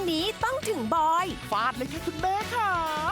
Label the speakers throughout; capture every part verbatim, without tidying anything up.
Speaker 1: นี้ต้องถึงบอย
Speaker 2: ฟาดเลยค่ะคุณแม่ค่ะ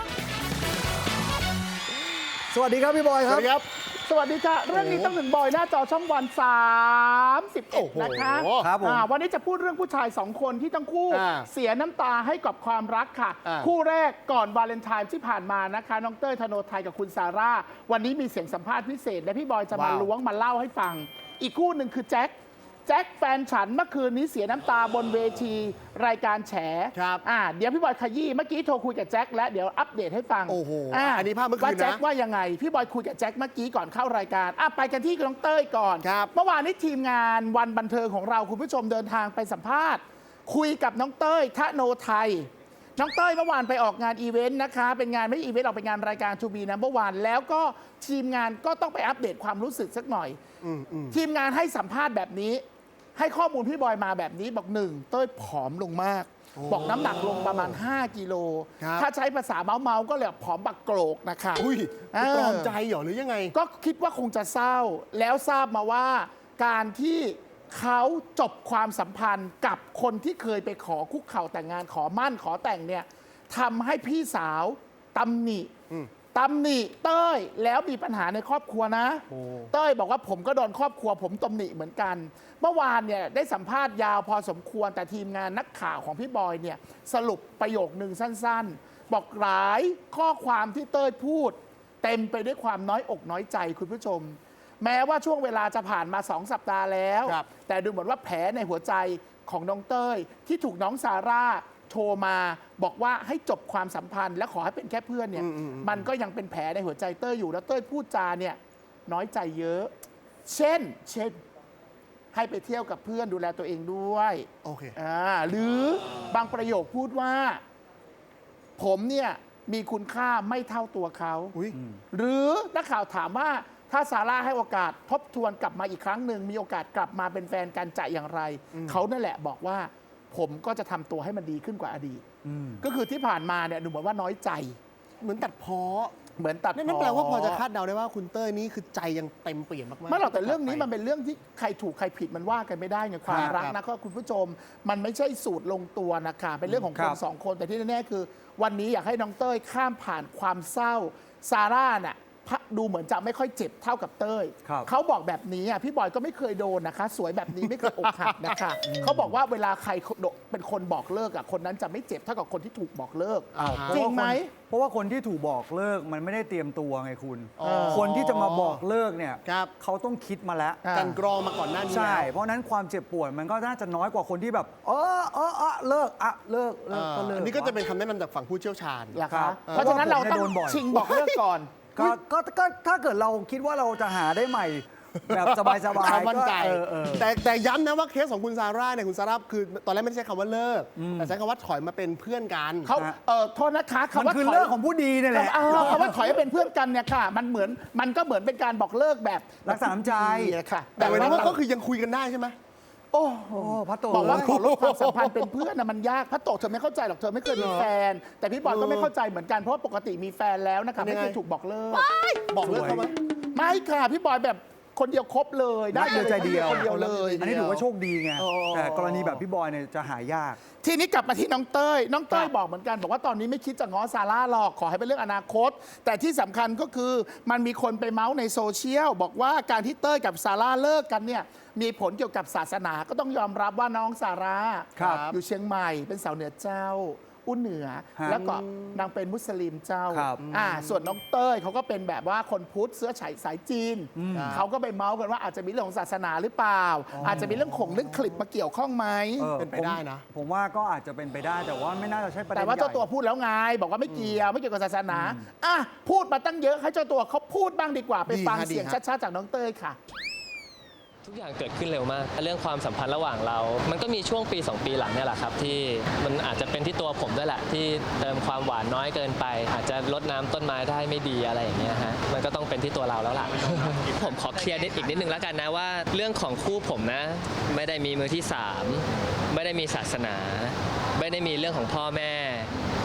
Speaker 3: สวัสดีครับพี่บอยครับ
Speaker 2: สวัสดีครับสวัสดีค่ะเรื่องนี้ต้องถึงบอยหน้าจอช่องวันสามสิบเอ็ดนะคะ
Speaker 3: ครับผม
Speaker 2: วันนี้จะพูดเรื่องผู้ชายสองคนที่ทั้งคู่เสียน้ำตาให้กับความรักค่ะคู่แรกก่อนวาเลนไทน์ที่ผ่านมานะคะน้องเต้ยธโนไทยกับคุณซาร่าวันนี้มีเสียงสัมภาษณ์พิเศษและพี่บอยจะมาล้วงมาเล่าให้ฟังอีกคู่หนึ่งคือแจ็คแจ็คแฟนฉันเมื่อคืนนี้เสียน้ำตาบนเวทีรายการแฉครับอ่าเดี๋ยวพี่บอยขยี้เมื่อกี้โทรคุยกับแจ็คแล้วเดี๋ยวอัปเดตให้ฟัง
Speaker 3: โอ้โห
Speaker 2: อ่า
Speaker 3: อันนี้ภาพเมื่อคืนนะ
Speaker 2: ว่าแจ็คว่ายังไงพี่บอยคุยกับแจ็คเมื่อกี้ก่อนเข้ารายการอ่ะไปกันที่น้องเต้ยก่อน
Speaker 3: ครับ
Speaker 2: เมื่อวานนี้ทีมงานวันบันเทิงของเราคุณผู้ชมเดินทางไปสัมภาษณ์คุยกับน้องเต้ยธโนไทยน้องเต้ยเมื่อวานไปออกงานอีเวนต์นะคะเป็นงานไม่ใช่อีเวนต์ออกเป็นงานรายการทูบีนะเมื่อวานแล้วก็ทีมงานก็ต้องไปอัปเดตความรู้สึกสักหน่อยทีมงานให้สัมภาษณ์แบบนี้ให้ข้อมูลพี่บอยมาแบบนี้บอกหนึ่งเต้ยผอมลงมากบอกน้ำหนักลงประมาณห้ากิโลถ้าใช้ภาษาเมาเมาก็เรียกผอมบักโกรกนะคะ
Speaker 3: อุ้ยตรอมใจเหรอหรือยังไง
Speaker 2: ก็คิดว่าคงจะเศร้าแล้วทราบมาว่าการที่เขาจบความสัมพันธ์กับคนที่เคยไปขอคุกเข่าแต่งงานขอมั่นขอแต่งเนี่ยทำให้พี่สาวตำหนิตำหนิเต้ยแล้วมีปัญหาในครอบครัวนะเต้ยบอกว่าผมก็โดนครอบครัวผมตำหนิเหมือนกันเมื่อวานเนี่ยได้สัมภาษณ์ยาวพอสมควรแต่ทีมงานนักข่าวของพี่บอยเนี่ยสรุปประโยคนึงสั้นๆบอกหลายข้อความที่เต้ยพูดเต็มไปด้วยความน้อยอกน้อยใจคุณผู้ชมแม้ว่าช่วงเวลาจะผ่านมาสองสัปดาห์แล้วแต่ดูเหมือนว่าแผลในหัวใจของน้องเต้ยที่ถูกน้องซาร่าโทรมาบอกว่าให้จบความสัมพันธ์และขอให้เป็นแค่เพื่อนเนี่ยมันก็ยังเป็นแผลในหัวใจเต้ยอยู่แล้วเต้ยพูดจาเนี่ยน้อยใจเยอะเช่นเช่นให้ไปเที่ยวกับเพื่อนดูแลตัวเองด้วย
Speaker 3: โอเค
Speaker 2: อ่าหรือบางประโยคพูดว่าผมเนี่ยมีคุณค่าไม่เท่าตัวเขาหรือนักข่าวถามว่าถ้าซาร่าให้โอกาสทบทวนกลับมาอีกครั้งหนึ่งมีโอกาสกลับมาเป็นแฟนกันจะอย่างไรเขานั่นแหละบอกว่าผมก็จะทำตัวให้มันดีขึ้นกว่าอดีตก็คือที่ผ่านมาเนี่ยดูเหมือนว่าน้อยใจ
Speaker 3: เหมือนตัดพ้อ
Speaker 2: เหมือนตัดพ้อ
Speaker 3: นั่นแปลว่าพอจะคาดเดาได้ว่าคุณเต้ยนี่คือใจยังเต็มเปี่ยมมากๆ
Speaker 2: ไม่หรอกแต่เรื่องนี้มันเป็นเรื่องที่ใครถูกใครผิดมันว่ากันไม่ได้ไงความรักนะก็คุณผู้ชมมันไม่ใช่สูตรลงตัวนะคะเป็นเรื่องของคนสองคนแต่ที่แน่ๆคือวันนี้อยากให้น้องเต้ยข้ามผ่านความเศร้าซาร่าน่ะดูเหมือนจะไม่ค่อยเจ็บเท่ากับเต้ยเขาบอกแบบนี้อ่ะพี่บอยก็ไม่เคยโดนนะคะสวยแบบนี้ไม่เคยอกหักนะคะเขาบอกว่าเวลาใครเป็นคนบอกเลิกอ่ะคนนั้นจะไม่เจ็บเท่ากับคนที่ถูกบอกเลิกจริงไหม
Speaker 4: เพราะว่าคนที่ถูกบอกเลิกมันไม่ได้เตรียมตัวไงคุณคนที่จะมาบอกเลิกเนี่ยเขาต้องคิดมาแล้ว
Speaker 3: กันกรองมาก่อนหน้านี้
Speaker 4: ใช่เพราะนั้นความเจ็บปวดมันก็น่าจะน้อยกว่าคนที่แบบเออเออเออเลิกอ่ะเลิกเลิกก็เลิก
Speaker 3: อันนี้ก็จะเป็นคำแนะนำจากฝั่งผู้เชี่ยวชาญ
Speaker 2: ครับเพราะฉะนั้นเราต้องชิงบอกเลิกก่อน
Speaker 4: ก็ก็ก็ถ้าเกิดเราคิดว่าเราจะหาได้ใหม่แบบสบายๆก็
Speaker 3: มั่นใจแต่แต่ย้ำนะว่าเคสของคุณซาร่าเนี่ยคุณซาร่าคือตอนแรกไม่ได้ใช้คำว่าเลิกแต่ใช้คำว่าถอยมาเป็นเพื่อนกัน
Speaker 2: เขาเออโทษนะคะคำว่า
Speaker 4: คือเลิกของผู้ดีนี่แหละ
Speaker 2: คำว่าถอยมาเป็นเพื่อนกันเนี่ยค่ะมันเหมือนมันก็เหมือนเป็นการบอกเลิกแบบ
Speaker 4: รักษาน้ำใจ
Speaker 2: ค่ะ
Speaker 3: แต่วันนี้ก็คือยังคุยกันได้ใช่ไหม
Speaker 2: โอ้โหพัตโตบอกว่าขอลดความสัมพันธ์เป็นเพื่อนนะมันยากพัตโตเธอไม่เข้าใจหรอกเธอไม่เคยมีแฟนแต่พี่บอยก็ไม่เข้าใจเหมือนกันเพราะปกติมีแฟนแล้วนะคะไม่เคยถูกบอกเลิก
Speaker 3: บอกเลิกเขาไหม
Speaker 2: ไม่ค่ะพี่บอยแบบคนเดียวครบเลย
Speaker 4: ได้เดียวใจเดียว
Speaker 2: คนเดียวเลย
Speaker 4: อันนี้ถือว่าโชคดีไงแต่กรณีแบบพี่บอยเนี่ยจะหายาก
Speaker 2: ทีนี้กลับมาที่น้องเต้ยน้องเต้ยบอกเหมือนกันบอกว่าตอนนี้ไม่คิดจะง้อซาร่าหรอกขอให้เป็นเรื่องอนาคตแต่ที่สำคัญก็คือมันมีคนไปเมาส์ในโซเชียลบอกว่าการที่เต้ยกับซาร่าเลิกกันเนี่ยมีผลเกี่ยวกับศาสนาก็ต้องยอมรับว่าน้องซาร่าอยู่เชียงใหม่เป็นสาวเหนือเจ้าอุ้นเหนือแล้วก็นางเป็นมุสลิมเจ้าอ่าส่วนน้องเต้ยเขาก็เป็นแบบว่าคนพุทธเสื้อฉายสายจีนเขาก็ไปเมาส์กันว่าอาจจะมีเรื่องของศาสนาหรือเปล่าอาจจะมีเรื่องของเรื่องคลิปมาเกี่ยวข้องไหม
Speaker 3: เป็นไปได้นะ
Speaker 4: ผมว่าก็อาจจะเป็นไปได้แต่ว่าไม่น่าจะใช่ประเด็น
Speaker 2: แต่ว่าเจ้าตัวพูดแล้วไงบอกว่าไม่เกี่ยวไม่เกี่ยวกับศาสนาอ่ะพูดมาตั้งเยอะให้เจ้าตัวเขาพูดบ้างดีกว่าไปฟังเสียงชัดๆจากน้องเต้ยค่ะ
Speaker 5: ทุกอย่างเกิดขึ้นเร็วมากเรื่องความสัมพันธ์ระหว่างเรา มันก็มีช่วงปีสองปีหลังเนี่ยแหละครับที่มันอาจจะเป็นที่ตัวผมด้วยแหละที่เติมความหวานน้อยเกินไปอาจจะลดน้ำต้นไม้ได้ไม่ดีอะไรอย่างเงี้ยฮะมันก็ต้องเป็นที่ตัวเราแล้วล่ะ ผมขอเคลียร์นิดอีกนิดนึงแล้วกันนะว่าเรื่องของคู่ผมนะไม่ได้มีมือที่สามไม่ได้มีศาสนาไม่ได้มีเรื่องของพ่อแม่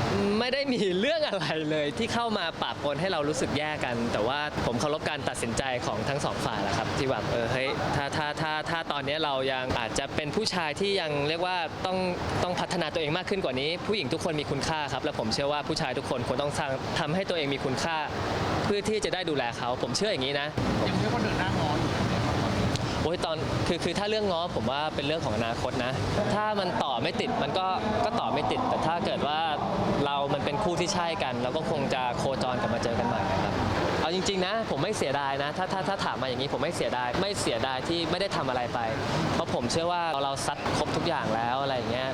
Speaker 5: ไม่ได้มีเรื่องอะไรเลยที่เข้ามาปะปนให้เรารู้สึกแย่กัน แต่ว่าผมเคารพการตัดสินใจของทั้งสองฝ่ายแหละครับที่แบบเออเฮ้ยถ้าถ้าถ้าถ้าตอนนี้เรายังอาจจะเป็นผู้ชายที่ยังเรียกว่าต้องต้องพัฒนาตัวเองมากขึ้นกว่านี้ ผู้หญิงทุกคนมีคุณค่าครับและผมเชื่อว่าผู้ชายทุกคนควรต้องสร้างทำให้ตัวเองมีคุณค่า เพื่อที่จะได้ดูแลเขาผมเชื่ออย่างนี้นะยังเรียกว่าเดินหน้างออยู่โอ้ยตอนคือคือถ้าเรื่องง้อผมว่าเป็นเรื่องของอนาคตนะ ถ้ามันต่อไม่ติดมันก็ก็ต่อไม่ติด แต่ถ้าเกิดว่าเรามันเป็นคู่ที่ใช่กันเราก็คงจะโคจรกลับมาเจอกันใหม่ครับเอาจริงๆนะผมไม่เสียดายนะถ้าถ้าถ้าถามมาอย่างนี้ผมไม่เสียดายไม่เสียดายที่ไม่ได้ทำอะไรไป เพราะผมเชื่อว่าเราเราซัดครบทุกอย่างแล้วอะไรอย่างเงี้ย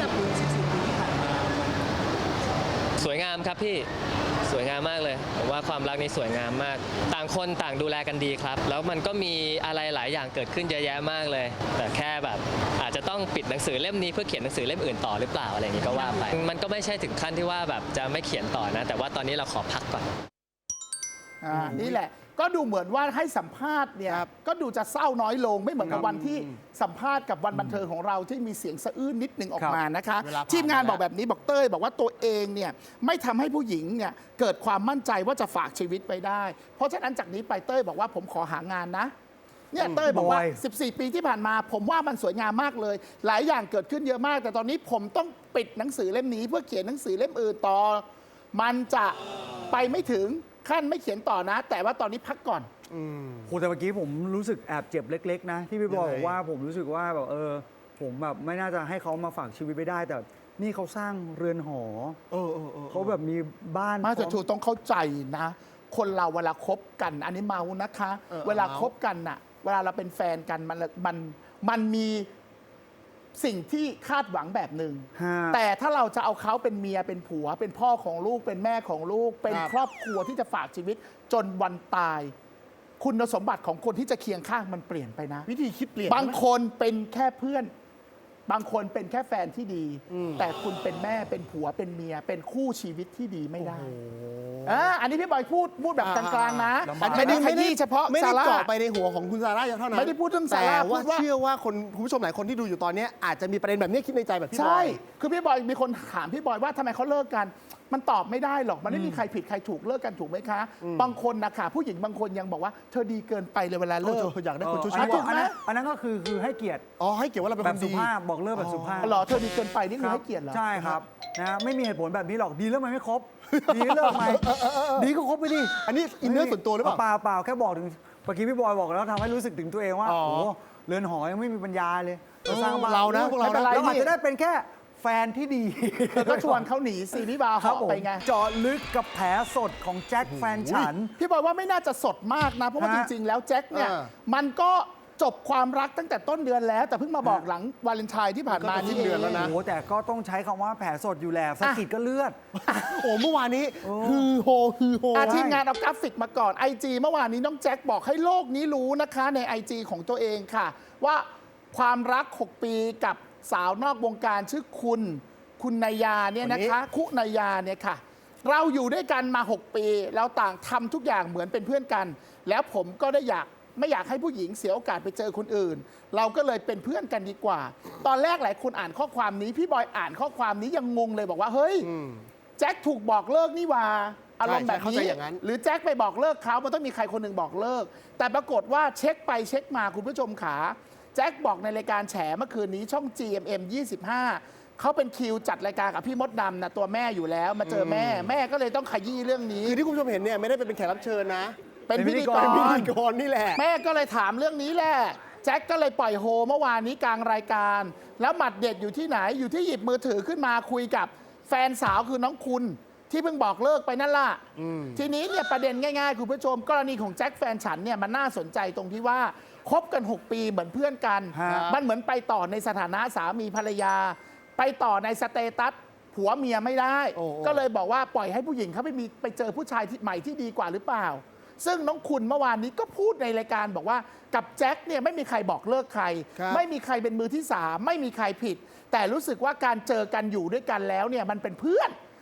Speaker 5: สวยงามครับพี่สวยงามมากเลยผมว่าความรักนี้สวยงามมาก ต่างคนต่างดูแลกันดีครับ แล้วมันก็มีอะไรหลายอย่างเกิดขึ้นเยอะแยะมากเลย แต่แค่แบบอาจจะต้องปิดหนังสือเล่มนี้เพื่อเขียนหนังสือเล่มอื่นต่อหรือเปล่าอะไรอย่างนี้ก็ว่าไปมันก็ไม่ใช่ถึงขั้นที่ว่าแบบจะไม่เขียนต่อนะ แต่ว่าตอนนี้เราขอพักก่อน
Speaker 2: อ่านี่แหละก็ดูเหมือนว่าให้สัมภาษณ์เนี่ยก็ดูจะเศร้าน้อยลงไม่เหมือนกับวันที่สัมภาษณ์กับวันบันเทิงของเราที่มีเสียงสะอื้นนิดหนึ่งออกมานะคะ
Speaker 3: เวลาผ่าน
Speaker 2: ทีมงาน
Speaker 3: ไปแล้ว
Speaker 2: บอกแบบนี้บอกเต้ยบอกว่าตัวเองเนี่ยไม่ทำให้ผู้หญิงเนี่ยเกิดความมั่นใจว่าจะฝากชีวิตไปได้ เพราะฉะนั้นจากนี้ไปเต้ยบอกว่าผมขอหางานนะเนี่ยเต้ยบอกว่า
Speaker 4: บอย
Speaker 2: สิบสี่ ปีที่ผ่านมาผมว่ามันสวยงามมากเลย หลายอย่างเกิดขึ้นเยอะมาก แต่ตอนนี้ผมต้องปิดหนังสือเล่มนี้ เพื่อเขียนหนังสือเล่มอื่นต่อ มันจะไปไม่ถึงขั้นไม่เขียนต่อนะ แต่ว่าตอนนี้พักก่อน
Speaker 4: โหแต่เมื่อกี้ผมรู้สึกแอบเจ็บเล็ก ๆ นะ ที่พี่บอยบอกว่าผมรู้สึกว่าแบบเออ ผมแบบไม่น่าจะให้เขามาฝากชีวิตไปได้ แต่นี่เขาสร้างเรือนหอ
Speaker 3: เออเออเออ
Speaker 4: เขาแบบมีบ้าน
Speaker 2: มาแต่
Speaker 4: พร้อ
Speaker 2: ถูกต้องเข้าใจนะ คนเราเวลาคบกัน อันนี้เมานะคะ
Speaker 3: เออ
Speaker 2: เวลา
Speaker 3: เมา
Speaker 2: คบกันน่ะ เวลาเราเป็นแฟนกันมันมันมันมีสิ่งที่คาดหวังแบบหนึ่ง
Speaker 4: ฮะ
Speaker 2: แต่ถ้าเราจะเอาเขาเป็นเมียเป็นผัว เป็นพ่อของลูกเป็นแม่ของลูก เป็น
Speaker 3: ครับ
Speaker 2: ครอบครัวที่จะฝากชีวิตจนวันตาย คุณสมบัติของคนที่จะเคียงข้างมันเปลี่ยนไปนะ
Speaker 3: วิธีคิดเปลี่ยน
Speaker 2: บางคนเป็นแค่เพื่อน บางคนเป็นแค่แฟนที่ดี แต่คุณเป็นแม่เป็นผัวเป็นเมีย เป็นคู่ชีวิตที่ดีไม่ได้อ่าอันนี้พี่บอยพูดพูดแบบกลางๆนะ
Speaker 4: ลำบาก
Speaker 2: ไม่ได้ขยี้เฉพาะ
Speaker 3: ไม่ได้
Speaker 2: ซาร่า
Speaker 3: เจาะไปในหัวของคุณซาร่าอย่างเท่านั้น
Speaker 2: ไม่ได้พูดเรื่องซา
Speaker 3: แต่
Speaker 2: ร่า
Speaker 3: ว่า
Speaker 2: พูดว่า
Speaker 3: เชื่อว่าคนคุณผู้ชมหลายคนที่ดูอยู่ตอนเนี้ยอาจจะมีประเด็นแบบนี้คิดในใจแบบพี่บ
Speaker 2: ใช่
Speaker 3: อย
Speaker 2: คือพี่บอยมีคนถามพี่บอยว่าทำไมเขาเลิกกัน มันตอบไม่ได้หรอก มันไม่มีใครผิดใครถูกเลิกกันถูกไหมคะ บางคนนะคะผู้หญิงบางคนยังบอกว่าเธอดีเกินไปเลยเวลา
Speaker 3: เอ
Speaker 2: เลิก
Speaker 3: ออยากได้คนช่วย
Speaker 4: อัน
Speaker 3: ช่
Speaker 4: นั้
Speaker 3: วย
Speaker 4: นอันนั้นอันนั้นก็คือคือให้เกียรติ
Speaker 3: อ๋อให้เกี่ยวว่าเราเป็น
Speaker 4: แบ
Speaker 3: ค
Speaker 4: บ
Speaker 3: น
Speaker 4: สุ
Speaker 3: ดี
Speaker 4: ภาพบอกเลิกแบบสุภาพ
Speaker 2: หรอเธอดีเกินไปนี่คือให้เกียรติเหรอ
Speaker 4: ใช่ครับนะไม่มีเหตุผลแบบนี้หรอกดีแล้วมันไม่ครบ ดีเลิกไหมดีก็ครบไปดิ
Speaker 3: อันนี้อินเนอร์ส่วนตัวหรือเปล่า
Speaker 4: เปล่าเปล่าแค่บอกถึงเมื่อกี้พี่บอยบอกแล้วทำให้รู้สึกถึงตัวเองว่า
Speaker 3: อ๋อ
Speaker 4: โอ้โหเรือนหอยังไม่มีปัญญาเลยจะสร้างบ้าน
Speaker 3: เรานะพวกเรานะ
Speaker 4: เราอาจจะได้เป็นแค่แฟนที่ดี
Speaker 2: ก็ชวนเขาหนีซีรีส์บาร์
Speaker 4: ครับ
Speaker 2: เหาะ
Speaker 4: ผม
Speaker 2: ไปไง
Speaker 4: เจาะลึกกับแผลสดของแจ็คแฟนฉัน
Speaker 2: พี่บอยว่าไม่น่าจะสดมากนะ เพราะว่าจ
Speaker 4: ฮะ
Speaker 2: ริง ๆ แล้วแจ็คเนี่ย
Speaker 3: เออ
Speaker 2: มันก็จบความรักตั้งแต่ต้นเดือนแล้ว แต่เพิ่งมาบอกหลังวาเลนไทน์ที่ผ่านมา
Speaker 3: ก็จะสิ้
Speaker 2: นี่
Speaker 3: นเดือนแล้วนะ
Speaker 4: โอ้โหแต่ก็ต้องใช้คำว่าแผลสดอยู่แหละสะกิดก็เลือด
Speaker 3: โอ้เมื่อวานนี้ฮือโฮฮือโฮ
Speaker 2: อาทีมงานเอากราฟิกมาก่อน ไอ จี เมื่อวานนี้น้องแจ็คบอกให้โลกนี้รู้นะคะใน ไอ จี ของตัวเองค่ะ ว่าความรัก หก ปีกับสาวนอกวงการชื่อคุณ คุณนายาเนี่ยนะคะ คุณายาเนี่ยค่ะ เราอยู่ด้วยกันมา หก ปี แล้วต่างทำทุกอย่างเหมือนเป็นเพื่อนกัน แล้วผมก็ได้อยากไม่อยากให้ผู้หญิงเสียโอกาสไปเจอคนอื่น เราก็เลยเป็นเพื่อนกันดีกว่า ตอนแรกหลายคนอ่านข้อความนี้พี่บอยอ่านข้อความนี้ยังงงเลยบอกว่าเฮ้ย แจ็คถูกบอกเลิกนี่หว่าอารมณ์แบบ
Speaker 3: เข้าใจ
Speaker 2: นี้
Speaker 3: อย่างนั้น
Speaker 2: หรือแจ็คไปบอกเลิกเขามันต้องมีใครคนหนึ่งบอกเลิก แต่ปรากฏว่าเช็คไปเช็คมาคุณผู้ชมขาแจ็คบอกในรายการแฉเมื่อคืนนี้ช่อง จี เอ็ม เอ็ม ยี่สิบห้าเขาเป็นคิวจัดรายการกับพี่มดดำนะตัวแม่อยู่แล้ว มาเจอแม่ แม่ก็เลยต้องขยี้เรื่องนี้
Speaker 3: คือที่คุณผู้ชมเห็นเนี่ยไม่ได้เป็นแขกรับเชิญนะ
Speaker 2: เป็นพิธีก
Speaker 3: เป็นพิ
Speaker 2: ร
Speaker 3: ธีกรนี่แหละ
Speaker 2: แม่ก็เลยถามเรื่องนี้แหละแจ็คก็เลยปล่อยโฮเมื่อวานนี้กลางรายการ แล้วหมัดเด็ดอยู่ที่ไหนอยู่ที่หยิบมือถือขึ้นมาคุยกับแฟนสาวคือน้องคุณที่เพิ่งบอกเลิกไปนั่นล่ะทีนี้เนี่ยประเด็นง่ายๆคุณผู้ชม กรณีของแจ็คแฟนฉันเนี่ยมันน่าสนใจตรงที่ว่าคบกัน หก ปีเหมือนเพื่อนกัน
Speaker 4: ฮะ
Speaker 2: มันเหมือนไปต่อในสถานะสามีภรรยา ไปต่อในสเตตัสผัวเมียไม่ได้
Speaker 3: โอ้โอ้
Speaker 2: ก็เลยบอกว่าปล่อยให้ผู้หญิงเขาไปมีไปเจอผู้ชายที่ใหม่ที่ดีกว่าหรือเปล่า ซึ่งน้องคุณเมื่อวานนี้ก็พูดในรายการบอกว่ากับแจ็คเนี่ยไม่มีใครบอกเลิกใคร
Speaker 3: ครับ
Speaker 2: ไม่มีใครเป็นมือที่สามไม่มีใครผิด แต่รู้สึกว่าการเจอกันอยู่ด้วยกันแล้วเนี่ยมันเป็นเพื่อน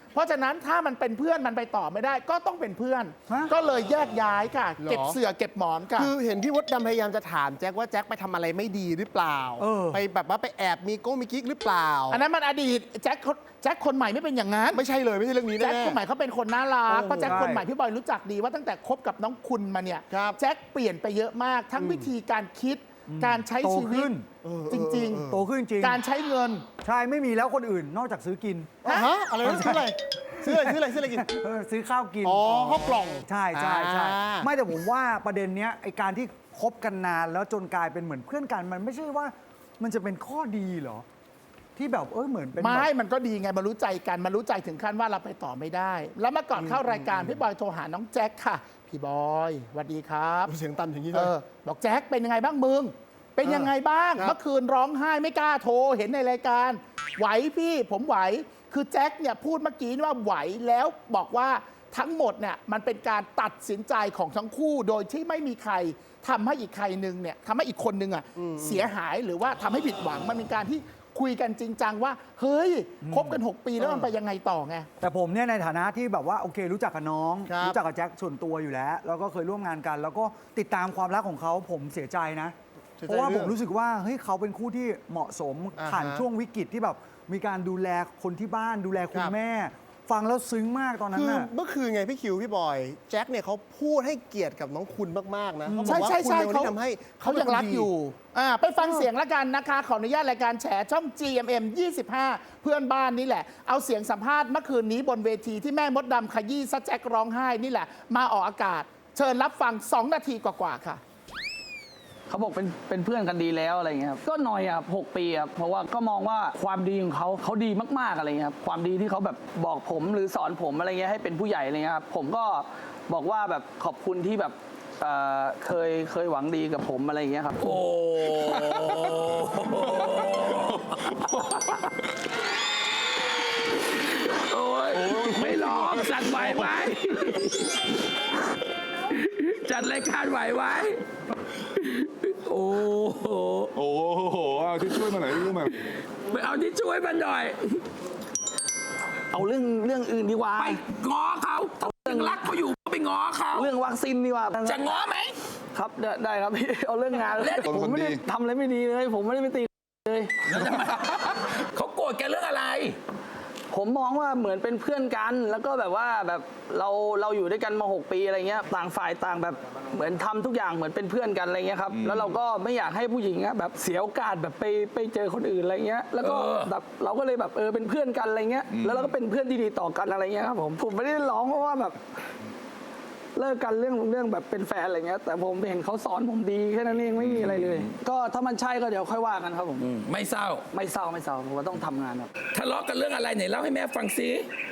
Speaker 2: เพราะฉะนั้นถ้ามันเป็นเพื่อนมันไปต่อไม่ได้ก็ต้องเป็นเพื่อน
Speaker 4: ฮะ
Speaker 2: ก็เลยแยกย้ายค่ะ
Speaker 3: หรอ
Speaker 2: เก็บเสื่อเก็บหมอนค่ะ
Speaker 3: คือเห็นพี่มดดำพยายามจะถามแจ็คว่าแจ็คไปทำอะไรไม่ดีหรือเปล่า
Speaker 4: เออ
Speaker 3: ไปแบบว่าไปแอบมีโก้มีกิ๊กหรือเปล่า
Speaker 2: อันนั้นมันอดีตแจ็คเขาแจ็คคนใหม่ไม่เป็นอย่างนั้น
Speaker 3: ไม่ใช่เลยไม่ใช่เรื่องนี้
Speaker 2: แจ็ค
Speaker 3: แน่
Speaker 2: คนใหม่เขาเป็นคนน่ารัก
Speaker 3: โอ้โห
Speaker 2: เพราะแจ็ค
Speaker 4: ใช่
Speaker 2: คนใหม่พี่บอยรู้จักดีว่าตั้งแต่คบกับน้องคุณมาเนี่ย
Speaker 3: ครับ
Speaker 2: แจ็คเปลี่ยนไปเยอะมาก ทั้งวิธีการคิด การใช้
Speaker 4: โต
Speaker 2: ชีวิต
Speaker 4: ขึ้น
Speaker 3: เออ
Speaker 2: จริง
Speaker 3: เออ
Speaker 4: โตขึ้นจริง
Speaker 2: ๆ การใช้เงิน
Speaker 4: ใช่ไม่มีแล้วคนอื่นนอกจากซื้อกิน
Speaker 3: อ่ะฮะอะไรนะซื้ออะไรซื้ออะไรซื้ออะไรซื้ออะไรกิน
Speaker 4: เออซื้อข้าวกิน
Speaker 3: อ๋อข้าวกล่อง
Speaker 4: ใช่ใช่ใช่
Speaker 3: อ่า
Speaker 4: ไม่แต่ผมว่าประเด็นเนี้ยไอการที่คบกันนานแล้วจนกลายเป็นเหมือนเพื่อนกัน มันไม่ใช่ว่ามันจะเป็นข้อดีเหรอ ที่แบบเออเหมือนเป็น
Speaker 2: ไม่
Speaker 4: แบบ
Speaker 2: มันก็ดีไงมารู้ใจกันมารู้ใจถึงขั้นว่าเราไปต่อไม่ได้ แล้วเมื่อก่อนเข้ารายการพี่บอยโทรหาน้องแจ็คค่ะ พี่บอยสวัสดีครับ
Speaker 3: เสียงต่ำอย่างนี้เล
Speaker 2: เอย อบอกแจ็คเป็นยังไงบ้างมึง เป็นยังไงบ้าง
Speaker 3: ครับ
Speaker 2: เมื่อคืนร้องไห้ไม่กล้าโทรเห็นในรายการ ไหวพี่ผมไหว คือแจ็คเนี่ยพูดเมื่อกี้ว่าไหวแล้วบอกว่าทั้งหมดเนี่ยมันเป็นการตัดสินใจของทั้งคู่โดยที่ไม่มีใครทำให้อีกใครหนึ่งเนี่ยทำให้อีกคนหนึ่งอ่ะเสียหายหรือว่าทำให้ผิดหวังมันเป็นการที่คุยกันจริงจังว่าเฮ้ยคบกันหกปีแล้วมันไปยังไงต่อไง
Speaker 4: แต่ผมเนี่ยในฐานะที่แบบว่าโอเค รู้จักกับน้อง
Speaker 3: ครับ
Speaker 4: รู้จักกับแจ็คส่วนตัวอยู่แล้ว แล้วก็เคยร่วมงานกัน แล้วก็ติดตามความรักของเขาผมเสียใจนะ
Speaker 3: เสียใจ
Speaker 4: เพราะว่า
Speaker 3: เรื่
Speaker 4: ผ
Speaker 3: อง
Speaker 4: มรู้สึกว่าเฮ้ยเขาเป็นคู่ที่เหมาะสม
Speaker 3: อ่าฮะ
Speaker 4: ผ่านช่วงวิกฤตที่แบบมีการดูแลคนที่บ้านดูแลคุ
Speaker 3: ค
Speaker 4: ณ
Speaker 3: รับ
Speaker 4: แม่ ฟังแล้วซึ้งมากตอนนั้
Speaker 3: คื
Speaker 4: น
Speaker 3: อ
Speaker 4: น่ะ
Speaker 3: เมื่อคืนไงพี่คิวพี่บอยแจ็คเนี่ยเขาพูดให้เกียรติกับน้องคุณมากๆนะเขาบอ
Speaker 2: ใช่
Speaker 3: กว่า
Speaker 2: ใช่
Speaker 3: คุณ
Speaker 2: ใช่
Speaker 3: เป็นคนที่ทำให้
Speaker 2: เขายังรักอยู่อ่าไปฟังเสียงละกันนะคะ ขออนุญาตรายการแฉช่อง จี เอ็ม เอ็ม ยี่สิบห้า เพื่อนบ้านนี่แหละ เอาเสียงสัมภาษณ์เมื่อคืนนี้บนเวทีที่แม่มดดำขยี้ซะแจ็คร้องไห้นี่แหละ มาออกอากาศ เชิญรับฟัง สอง นาทีกว่าๆค่ะ
Speaker 1: เขาบอกเป็นเป็นเพื่อนกันดีแล้วอะไรเงี้ยครับก็หน่อยอ่ะหกปีอ่ะเพราะว่าก็มองว่าความดีของเขาเขาดีมากๆอะไรเงี้ยครับความดีที่เขาแบบบอกผมหรือสอนผมอะไรเงี้ยให้เป็นผู้ใหญ่อะไรเงี้ยครับผมก็บอกว่าแบบขอบคุณที่แบบเอ่อเคยเคยหวังดีกับผมอะไรเงี้ยครับ
Speaker 6: โอ้โอ้ยไม่ร้องจัดไหวไหมจัดรายการไหวไหมโอ้โห
Speaker 7: โอ้โห เอาที่ช่วยมาหน่อยที่ช่วยมา
Speaker 6: ไปเอาที่ช่วยมันหน่อย
Speaker 1: เอาเรื่องเรื่องอื่นดีกว่า
Speaker 6: ไปง้อเขาถ้ายังรักเขาอยู่ก็ไปง้อเขา
Speaker 1: เรื่องวัคซีนดีกว่า
Speaker 6: จะง้อไหม
Speaker 1: ครับได้ได้ครับพี่เอาเรื่องงาน
Speaker 6: เล่น
Speaker 1: ผมไม่ได้ทำอะไรไม่ดีเลย ผมไม่ได้ไปตีเลย
Speaker 6: แล้วทำไมเขาโกรธแกเรื่องอะไร
Speaker 1: ผมมองว่าเหมือนเป็นเพื่อนกัน แล้วก็แบบว่าแบบเราเราอยู่ด้วยกันมาหกปีอะไรเงี้ยต่างฝ่ายต่างแบบเหมือนทำทุกอย่างเหมือนเป็นเพื่อนกันอะไรเงี้ยครับแล้วเราก็ไม่อยากให้ผู้หญิงอะแบบเสียโอกาสแบบไปไปเจอคนอื่นอะไรเงี้ยแล้วก็
Speaker 6: เออ
Speaker 1: แบบเราก็เลยแบบเออเป็นเพื่อนกันอะไรเงี้ยแล้วเราก็เป็นเพื่อนที่ดีต่อกันอะไรเงี้ยครับผมผมไม่ได้ร้องเพราะว่าแบบเลิกกันเรื่องเรื่องแบบเป็นแฟนอะไรเงี้ยแต่ผมเห็นเขาสอนผมดีแค่นั้นเองไม่มีอะไรเลย ก็ถ้ามันใช่ก็เดี๋ยวค่อยว่ากันครับผม
Speaker 6: อืมไม่เศร้า
Speaker 1: ไม่เศร้าไม่เศร้าผมว่าต้องทำงานครับ
Speaker 6: ทะเลาะกันเรื่องอะไรไหนเล่าให้แม่ฟังซิ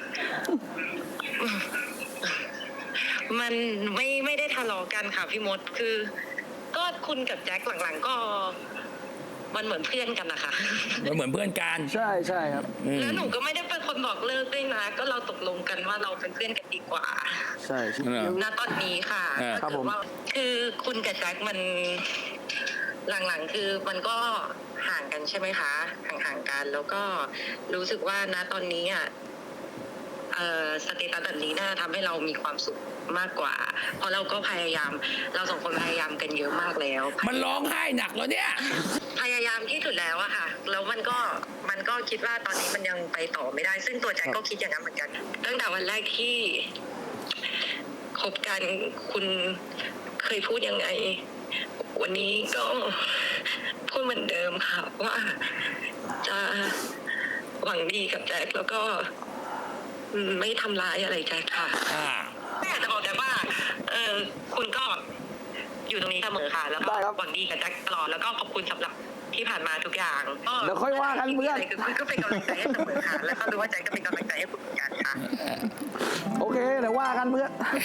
Speaker 8: มันไม่ไม่ได้ทะเลาะกันค่ะพี่มดคือ ก็คุณกับแจ็คหลังๆก็ มันเหมือนเพื่อนกันนะคะ
Speaker 6: มันเหมือนเพื่อนกัน
Speaker 1: ใช่ใช่ครับ
Speaker 6: อืม
Speaker 8: แล้วหนูก็ไม่ได้เป็นคนบอกเลิกด้วยนะ ก็เราตกลงกันว่าเราเป็นเพื่อนกันดีกว่า
Speaker 1: ใช่ใช่
Speaker 6: เออ
Speaker 8: ณตอนนี้ค่ะ
Speaker 6: เออ
Speaker 1: ครับผม
Speaker 8: ว่าคือคุณกับแจ็คมันหลังๆ คือมันก็ห่างกันใช่ไหมคะ ห่างๆกัน แล้วก็รู้สึกว่าณตอนนี้อ่ะเอ่อสเตตัสแบบนี้น่าทำให้เรามีความสุขมากกว่า เพราะเราก็พยายาม เราสองคนพยายามกันเยอะมากแล้ว
Speaker 6: มันร้องไห้หนักแล้วเนี่ย
Speaker 8: พยายามที่สุดแล้วอะค่ะ แล้วมันก็มันก็คิดว่าตอนนี้มันยังไปต่อไม่ได้ ซึ่งตัวแจ็คก็คิดอย่างนั้นเหมือนกัน ตั้งแต่วันแรกที่คบกันคุณเคยพูดยังไง วันนี้ก็พูดเหมือนเดิมค่ะ ว่าจะหวังดีกับแจ็คแล้วก็ไม่ทำร้ายอะไรแจ็คค่ะ
Speaker 6: อ่า
Speaker 8: ไม่อยากจะบอกแจ็คว่า เออคุณก็อยู่ตรงนี้เสมอค่ะ แล้วก็
Speaker 1: ได้ครับ
Speaker 8: หวังดีกับแจ็คตลอดแล้วก็ขอบคุณสำหรับที่ผ่านมาทุกอย่างก็
Speaker 1: เดี๋ยวค่อยว่ากันเพื่อน
Speaker 8: ะไรคือคุณก็เป็นกำลังใจให้เสมอค่ะ แล้วก็รู้ว่าแจ็คก็เป็นกำลังใจให้คุณเหมือนกันค่ะ
Speaker 1: โอเคเดี๋ยวว่ากันเพื่อน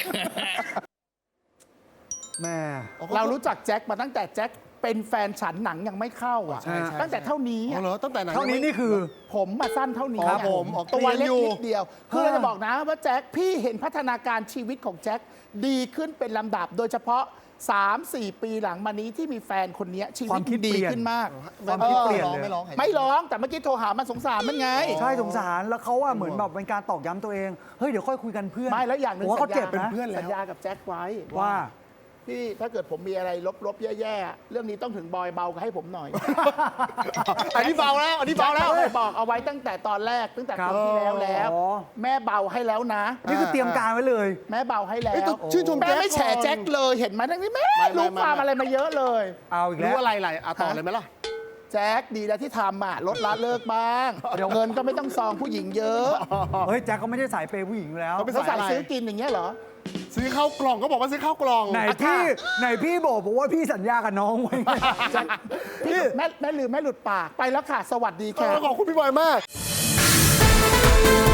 Speaker 4: แม่
Speaker 2: เรารู้จักแจ็คมาตั้งแต่แจ็คเป็นแฟนฉันหนังยังไม่เข้าอ่ะ
Speaker 3: ใช่ใช่
Speaker 2: ตั้งแต่เท่านี้
Speaker 3: อ๋อ
Speaker 2: อะ
Speaker 3: เหรอตั้งแต่ไหน
Speaker 4: เท่านี้นี่คือ
Speaker 2: ผมมาสั้นเท่านี้
Speaker 3: ครับ
Speaker 2: อะ
Speaker 3: ผมออก
Speaker 2: ตัว
Speaker 3: เรียน
Speaker 2: เล็ก
Speaker 3: อยู่
Speaker 2: นิดเดียว คือเราจะบอกนะว่าแจ็คพี่เห็นพัฒนาการชีวิตของแจ็คดีขึ้นเป็นลำดับ โดยเฉพาะสามสี่ปีหลังมานี้ที่มีแฟนคนเนี้ยชี
Speaker 4: ค
Speaker 2: วิ
Speaker 4: วา
Speaker 2: ต
Speaker 4: มคิด
Speaker 2: ดี
Speaker 4: เปลี่ยน
Speaker 2: ขึ้นมาก
Speaker 4: ความคิดเปลี่ยน
Speaker 3: ร้อง
Speaker 4: เลย
Speaker 3: ไม่ร้อง
Speaker 2: ไม่ร้องแต่เมื่อกี้โทรหามันสงสารมันไง
Speaker 4: ใช่สงสารแล้วเขาอะเหมือนแบบเป็นการตอกย้ำตัวเอง เฮ้ย เดี๋ยวค่อยคุยกันเพื่อน
Speaker 2: ไม่แล้วอย่างหนึ่
Speaker 4: ผ
Speaker 2: ง
Speaker 4: มว่าเขา
Speaker 2: สัญ
Speaker 4: เจ็
Speaker 2: ญา
Speaker 4: บนะ
Speaker 3: เพื่อนแล้ว
Speaker 2: สัญญากับแจ็คไว้
Speaker 4: ว่า
Speaker 2: พี่ถ้าเกิดผมมีอะไรลบๆ แย่ๆ เรื่องนี้ต้องถึงบอยเบาให้ผมหน่อย
Speaker 3: อันนี้เบาแล้วอันนี้เบาแล้ว
Speaker 2: แจ็คบอกเอาไว้ตั้งแต่ตอนแรกตั้งแต่
Speaker 4: ครับ
Speaker 2: ปีที่แล้วแล้ว
Speaker 4: อ๋อ
Speaker 2: แม่เบาให้แล้วนะ
Speaker 4: นี่คือเตรียมการไว้เลย
Speaker 2: แม่เบาให้แล้
Speaker 3: เอ้ยว ต้องชื่นชม
Speaker 2: แม่ไม่แฉ
Speaker 3: ก่อน
Speaker 2: แจ็คเลยเห็นไหมทั้งนี้แม่
Speaker 3: ไม่ไม่
Speaker 2: รู้
Speaker 3: ไม่
Speaker 2: ความอะไรมาเยอะเลย
Speaker 4: เอาอีกแล้
Speaker 3: รู้
Speaker 4: ว
Speaker 3: อะไรไรอ่ะต่อเลยไหมล่ะ
Speaker 2: แจ็คดีแล้วที่ทำอ่ะลดละเลิกบ้างเดี๋ยวเงินก็ไม่ต้องซองผู้หญิงเยอะ
Speaker 4: เฮ้ย แจ็คเขาไม่ได้สายเปย์ผู้หญิงอยู่แล้ว
Speaker 3: เขาเป็น
Speaker 2: แล้ว
Speaker 3: สาย
Speaker 2: ใส่
Speaker 3: อะไร
Speaker 2: ซื้อกินอย่างเงี้ยเหรอ
Speaker 3: ซื้อข้าวกล่องก็บอกว่าซื้อข้าวกล่อง
Speaker 4: ไหนพี่ไหนพี่บอกบอกว่าพี่สัญญากับน้องไว้ไง
Speaker 2: พี่แม่แม่ลืมแม่หลุดปากไปแล้วค่ะ สวัสดี
Speaker 3: เอ
Speaker 2: ค่ะ
Speaker 3: อขอบคุณพี่บอยมาก